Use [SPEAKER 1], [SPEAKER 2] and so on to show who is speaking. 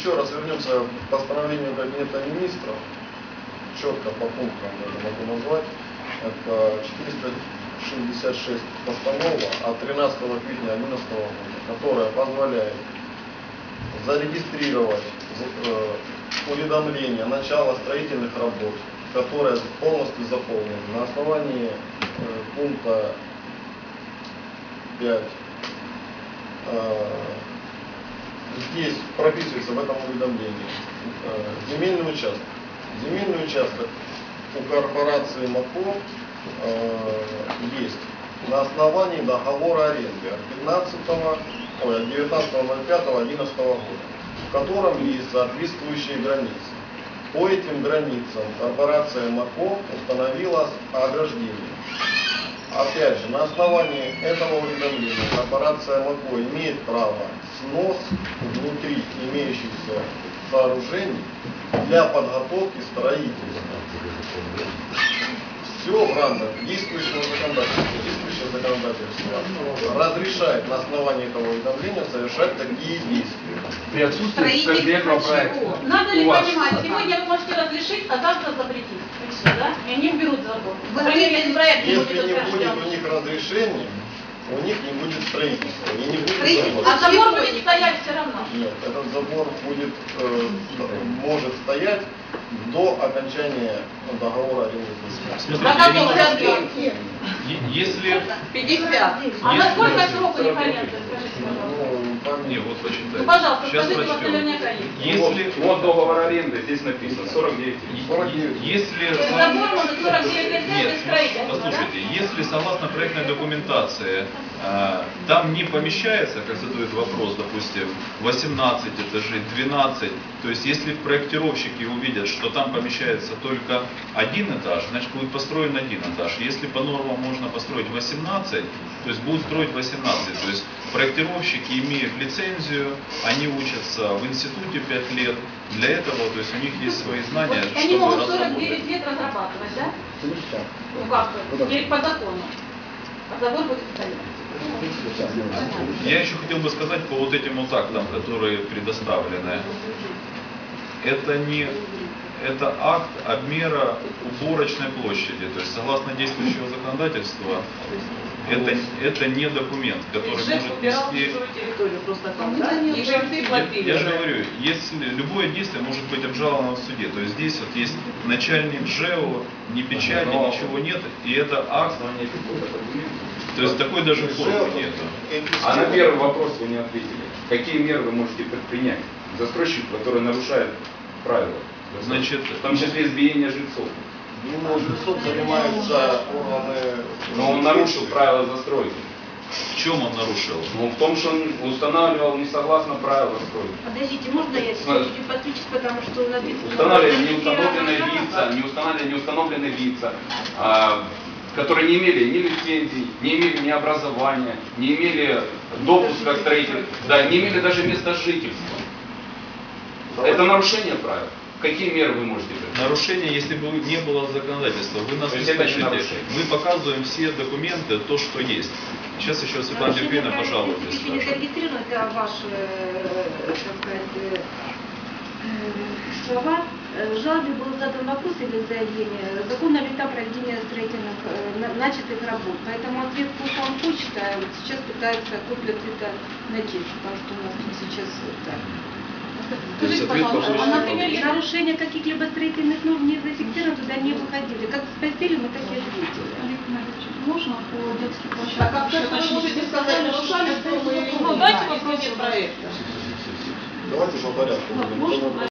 [SPEAKER 1] еще раз вернемся к постановлению Кабинета Министров, четко по пунктам даже могу назвать. Это 466 постанова от 13 квитня 2011 года, которая позволяет зарегистрировать уведомление начала строительных работ, которое полностью заполнено на основании пункта 5. Здесь прописывается в этом уведомлении земельный участок. Земельный участок у корпорации МАКО есть на основании договора аренды от 19.05.2011 года, в котором есть соответствующие границы. По этим границам корпорация МАКО установила ограждение. Опять же, на основании этого уведомления корпорация МАКО имеет право снос внутри имеющихся сооружений для подготовки строительства. Все в рамках действующего законодательства. Действующее законодательство разрешает на основании этого уведомления совершать такие действия.
[SPEAKER 2] При отсутствии конкретного проекта.
[SPEAKER 3] Надо ли понимать, сегодня вы можете разрешить, а завтра запретить. И все, да? И они берут закон.
[SPEAKER 1] Если не будет у них разрешения, у них не будет строительства. И не будет забора.
[SPEAKER 3] А забор будет стоять все равно.
[SPEAKER 1] Нет, этот забор будет, может стоять до окончания договора аренды.
[SPEAKER 4] Если...
[SPEAKER 3] 50. А на сколько срок у них аренды?
[SPEAKER 4] Не, вот почитайте.
[SPEAKER 3] Ну, пожалуйста,
[SPEAKER 4] сейчас
[SPEAKER 3] скажите, у вас
[SPEAKER 4] прочтем.
[SPEAKER 3] наверняка есть.
[SPEAKER 4] Если...
[SPEAKER 2] Вот договор аренды, здесь написано 49.
[SPEAKER 4] Если...
[SPEAKER 3] Забор может 49 лет
[SPEAKER 4] Нет,
[SPEAKER 3] без строительства,
[SPEAKER 4] послушайте, если согласно проектной документации там не помещается, как задают вопрос, допустим, 18 этажей, 12, то есть если проектировщики увидят, что там помещается только один этаж, значит будет построен один этаж. Если по нормам можно построить 18, то есть будут строить 18. То есть проектировщики имеют лицензию, они учатся в институте 5 лет. Для этого, то есть у них есть свои знания,
[SPEAKER 3] они
[SPEAKER 4] чтобы
[SPEAKER 3] могут
[SPEAKER 4] разработать.
[SPEAKER 3] 49 лет разрабатывать, да? Ну как, или по закону. А забор будет стоять.
[SPEAKER 4] Я еще хотел бы сказать по вот этим вот актам, которые предоставлены. Это акт обмера уборочной площади. То есть согласно действующего законодательства, это не документ, который может нести... Я же говорю, если любое действие может быть обжаловано в суде. То есть здесь вот есть начальник ЖЭО, ни печати, ничего нет, и это акт. То есть такой даже формы нету.
[SPEAKER 2] А на первый вопрос вы не ответили. Какие меры вы можете предпринять? Застройщик, который нарушает правила.
[SPEAKER 4] Значит,
[SPEAKER 2] в том числе избиение жильцов.
[SPEAKER 1] Ну, жильцов занимаются органы...
[SPEAKER 2] Но он нарушил правила застройки.
[SPEAKER 4] В чем он нарушил?
[SPEAKER 2] Ну, в том, что он устанавливал не согласно правилам застройки.
[SPEAKER 5] Подождите, можно я чуть-чуть подключусь, потому что написано...
[SPEAKER 2] Устанавливали неустановленные лица, которые не имели ни лицензий, не имели ни образования, не имели допуска к строителю, да, не имели даже места жительства. Это нарушение правил. Какие меры вы можете принять?
[SPEAKER 4] Нарушение, если бы не было законодательства. Вы нас не слышите. Мы показываем все документы, то, что есть. Сейчас еще Светлана Евгеньевна, пожалуйста.
[SPEAKER 5] Если не зарегистрировано, это ваши, так сказать, слова. В жалобе был задан вопрос или заявление, законно ли там проведение строительных начатых работ. Поэтому ответ он хочет, а вот сейчас пытается копию ответа найти, потому что у нас тут сейчас так.
[SPEAKER 3] Скажите, пожалуйста, а например,
[SPEAKER 5] нарушение каких-либо строительных норм не зафиксировано, туда не выходили. Как спросили, мы так и ответили.
[SPEAKER 3] можно по детским площадкам? А как вы можете сказать, нарушали, что мы... Ну, дайте вопрос проекта.
[SPEAKER 1] Давайте по порядку.